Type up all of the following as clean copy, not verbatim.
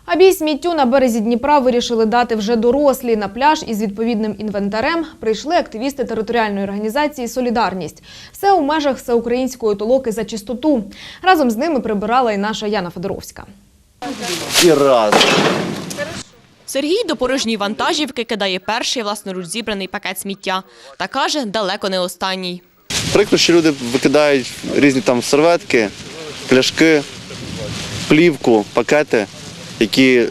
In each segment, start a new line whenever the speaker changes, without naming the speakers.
А бій сміттю на березі Дніпра вирішили дати вже дорослі. На пляж із відповідним інвентарем прийшли активісти територіальної організації «Солідарність». Все у межах всеукраїнської толоки за чистоту. Разом з ними прибирала і наша Яна Федоровська.
І раз.
Сергій до порожньої вантажівки кидає перший власноруч зібраний пакет сміття. Та каже, далеко не останній.
Прикро, що люди викидають різні там серветки, пляшки, плівку, пакети, які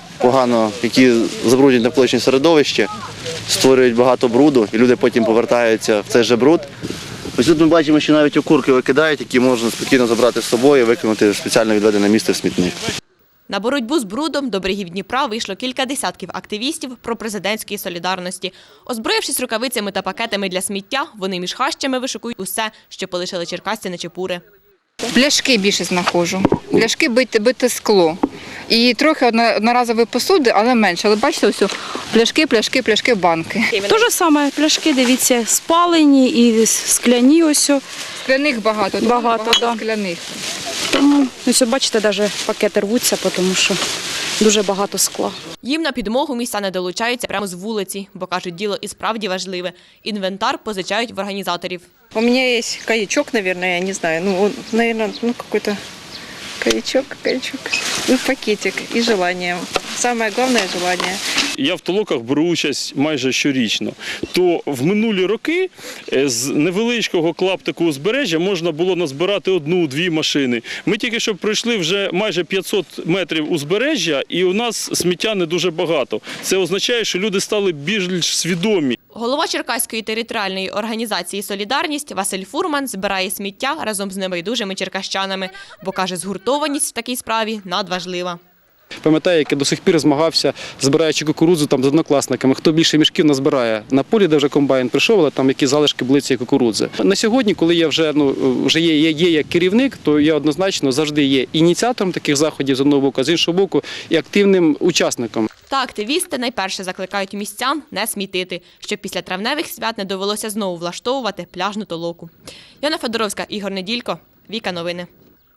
забруднюють навколишнє середовище, створюють багато бруду, і люди потім повертаються в цей же бруд. Ось тут ми бачимо, що навіть окурки викидають, які можна спокійно забрати з собою і викинути в спеціально відведене місце в смітник.
На боротьбу з брудом до берегів Дніпра вийшло кілька десятків активістів пропрезидентської солідарності. Озброївшись рукавицями та пакетами для сміття, вони між хащами вишикують усе, що полишили черкасці на чепури.
Пляшки більше знаходжу. Пляшки бите скло. І трохи одноразові посуди, але менше. Але бачите, ось пляшки, банки.
Те ж саме, пляшки, дивіться, спалені і скляні ось.
Скляних багато
Да.
скляних.
Тому, ось, бачите, навіть пакети рвуться, тому що дуже багато скла.
Їм на підмогу містяни долучаються прямо з вулиці, бо, кажуть, діло і справді важливе. Інвентар позичають в організаторів.
У меня есть каячок, наверное, я не знаю. Какой-то каячок. Пакетик и желание. Самое главное – желание.
Я в толоках беру участь майже щорічно. То в минулі роки з невеличкого клаптику узбережжя можна було назбирати 1-2 машини. Ми тільки що пройшли вже майже 500 метрів узбережжя, і у нас сміття не дуже багато. Це означає, що люди стали більш свідомі.
Голова Черкаської територіальної організації «Солідарність» Василь Фурман збирає сміття разом з небайдужими черкащанами, бо, каже, згуртованість в такій справі надважлива.
Пам'ятаю, як я до сих пір змагався, збираючи кукурудзу там з однокласниками. Хто більше мішків назбирає на полі, де вже комбайн прийшов, але там які залишки були цієї кукурудзи. На сьогодні, коли я вже є як керівник, то я однозначно завжди є ініціатором таких заходів з одного боку, а з іншого боку і активним учасником.
Та активісти найперше закликають містян не смітити, щоб після травневих свят не довелося знову влаштовувати пляжну толоку. Яна Федоровська, Ігор Неділько, Віка Новини.